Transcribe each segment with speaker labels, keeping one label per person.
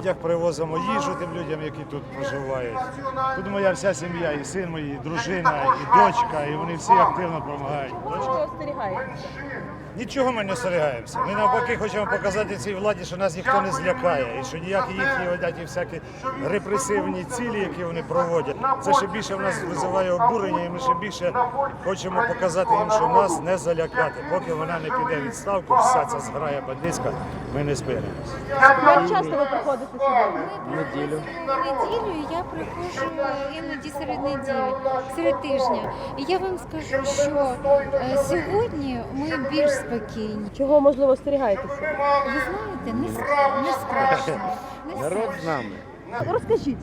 Speaker 1: одяг, привозимо їжу тим людям, які тут проживають. Тут моя вся сім'я, і син мій, і дружина, і дочка, і вони всі активно допомагають.
Speaker 2: Чого остерігаєтеся?
Speaker 1: Нічого ми не остерігаємося. Ми навпаки хочемо показати цій владі, що нас ніхто не злякає, і що ніякі їхні одяті всякі репресивні цілі, які вони проводять, це ще більше в нас визиває обурення, і ми ще більше хочемо показати їм, що нас не залякати. Поки вона не піде в відставку, вся ця зграя бандитська, ми не спинимося.
Speaker 2: Як часто ви приходите сюди?
Speaker 3: Неділю я приходжу іноді серед неділі, серед тижня. І я вам скажу, що сьогодні ми більш спокійні.
Speaker 2: Чого, можливо, остерігаєтеся?
Speaker 3: Ви знаєте, не страшно.
Speaker 4: Народ з нами.
Speaker 2: Розкажіть,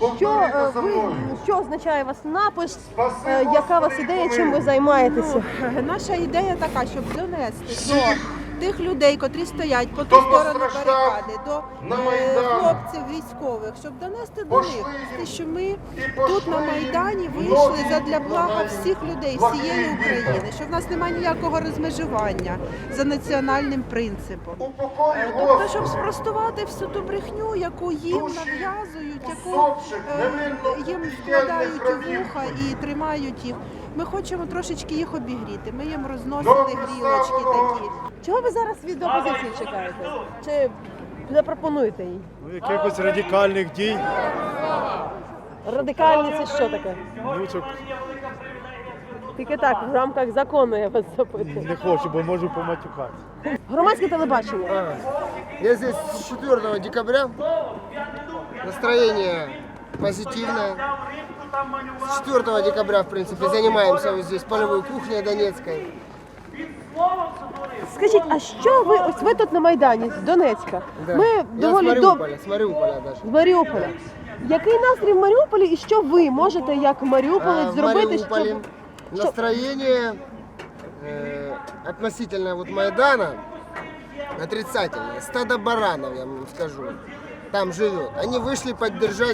Speaker 2: що означає у вас напис, яка у вас ідея, чим ви займаєтеся?
Speaker 5: Наша ідея така, щоб донести до тих людей, котрі стоять по ту сторону барикади, до хлопців військових, щоб донести до них, що ми тут на Майдані вийшли задля блага всіх людей, всієї України, що в нас немає ніякого розмежування за національним принципом. Тобто, щоб спростувати всю ту брехню, яку їм нав'язують, яку їм вкладають у вуха і тримають їх. Ми хочемо трошечки їх обігріти, ми їм розносили грілочки такі.
Speaker 2: Чого ви зараз від опозиції чекаєте? Чи запропонуєте їй?
Speaker 1: Якихось радикальних дій.
Speaker 2: Радикальні це що таке?
Speaker 1: Ну, щоб
Speaker 2: Тільки так, в рамках закону я вас запитую.
Speaker 1: не хочу, бо можу поматюкати.
Speaker 2: Громадське телебачення.
Speaker 4: Я здесь с 4 декабря. Настроение позитивное. С 4 декабря, в принципе, занимаемся вот здесь полевой кухней донецкой.
Speaker 2: Скажіть, а що ви, ось ви тут на Майдані, з Донецька?
Speaker 4: Да.
Speaker 2: Ми
Speaker 4: Я
Speaker 2: доволі
Speaker 4: с Мариуполя даже.
Speaker 2: з Маріуполя. Який настрій в Маріуполі і що ви можете як маріуполець
Speaker 4: В
Speaker 2: зробити,
Speaker 4: Мариуполе
Speaker 2: щоб...
Speaker 4: настроение относительно вот Майдана отрицательное. Стадо баранов, я вам скажу, там живет. Они вышли поддержать.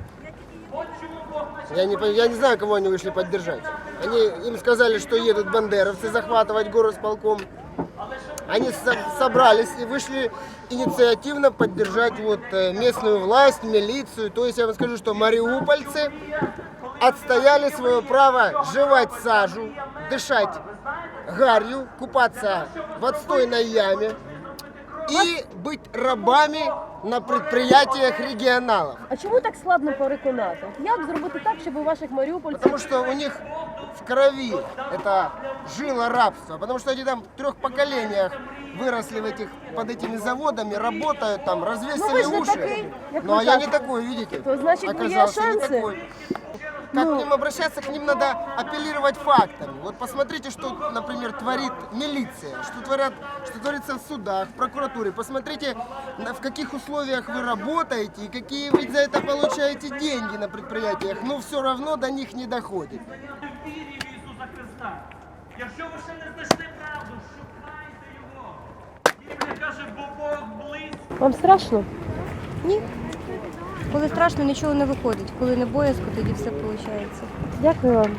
Speaker 4: Я не знаю, кого они вышли поддержать. Им сказали, что едут бандеровцы захватывать горосполком. Они собрались и вышли инициативно поддержать вот местную власть, милицию. То есть я вам скажу, что мариупольцы отстояли свое право жевать сажу, дышать гарью, купаться в отстойной яме и быть рабами на предприятиях регионалов.
Speaker 2: А чому так складно переконати? Як зробити так, щоб у ваших маріупольців...
Speaker 4: Потому что у них в крови это жило рабство. Потому что они там в 3 поколениях выросли под этими заводами, работают там, развесили
Speaker 2: Ну, вы же
Speaker 4: уши.
Speaker 2: такой, как
Speaker 4: Ну
Speaker 2: вы
Speaker 4: а я
Speaker 2: так.
Speaker 4: не такой, видите?
Speaker 2: То значит, вы
Speaker 4: Оказался не
Speaker 2: шансы?
Speaker 4: такой. Как к ним обращаться? К ним надо апеллировать фактами. Вот посмотрите, что, например, творит милиция, что творится в судах, в прокуратуре. Посмотрите, в каких условиях вы работаете и какие вы за это получаете деньги на предприятиях. Но все равно до них не доходит.
Speaker 6: Вірі в Ісуса Христа. Якщо ви ще не знайшли правду, шукайте його. Біблія каже, бо Бог близько.
Speaker 2: Вам страшно?
Speaker 7: Ні. Коли страшно, нічого не виходить. Коли не боязко, тоді все виходить.
Speaker 2: Дякую вам.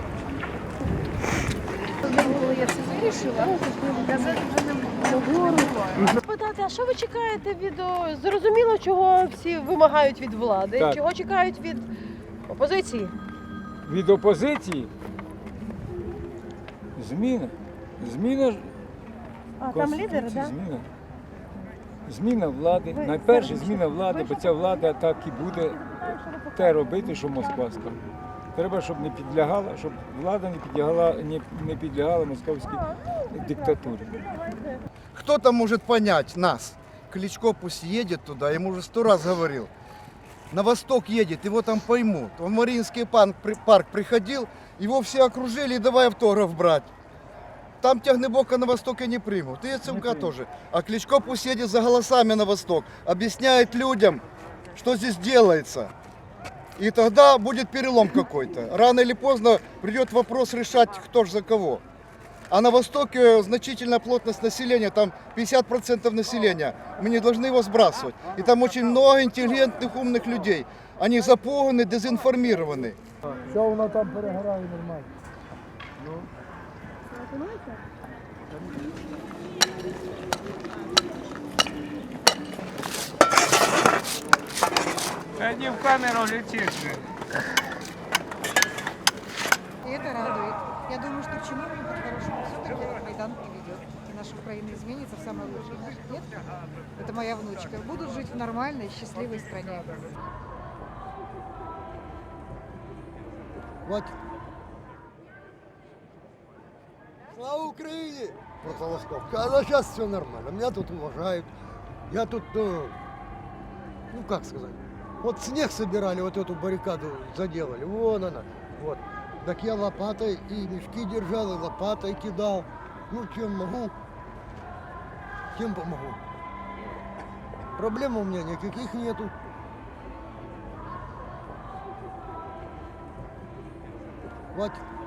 Speaker 2: Питати, а що ви чекаєте від... Зрозуміло, чого всі вимагають від влади,
Speaker 8: Так.
Speaker 2: чого чекають від опозиції?
Speaker 8: Від опозиції зміна. Зміна
Speaker 2: А там
Speaker 8: Конституції,
Speaker 2: лідери, так?
Speaker 8: зміна. Зміна влади.
Speaker 2: Ви
Speaker 8: Найперше
Speaker 2: зараз
Speaker 8: зміна влади, бо ця влада так і буде те робити, що Москва скаже. Треба, щоб не підлягала, щоб влада не підлягала московській диктатурі.
Speaker 9: Кто там может понять нас? Кличко пусть едет туда, ему уже 100 раз говорил. На восток едет, его там поймут. Он в Мариинский парк приходил, его все окружили и давай автограф брать. Там Тягнебока на востоке не примут, и ЦМК тоже. А Кличко пусть едет за голосами на восток, объясняет людям, что здесь делается. И тогда будет перелом какой-то. Рано или поздно придет вопрос решать, кто ж за кого. А на востоке значительная плотность населения, там 50% населения. Мы не должны его сбрасывать. И там очень много интеллигентных, умных людей. Они запуганы, дезинформированы.
Speaker 8: Що воно там перегорає нормально? Та не в камеру летиш.
Speaker 10: И это радует. Я думаю, что к чиновникам хорошему все-таки этот Майдан приведет. И наша Украина изменится в самое лучшее. Наши детки, это моя внучка, будут жить в нормальной, счастливой стране.
Speaker 9: Вот. Слава Украине! Прополосковка. А сейчас все нормально. Меня тут уважают. Я тут, ну как сказать, вот снег собирали, вот эту баррикаду заделали. Вон она. Вот. Так я лопатой и мешки держал, и лопатой кидал. Ну, чем могу, тем помогу. Проблем у меня никаких нету. Вот.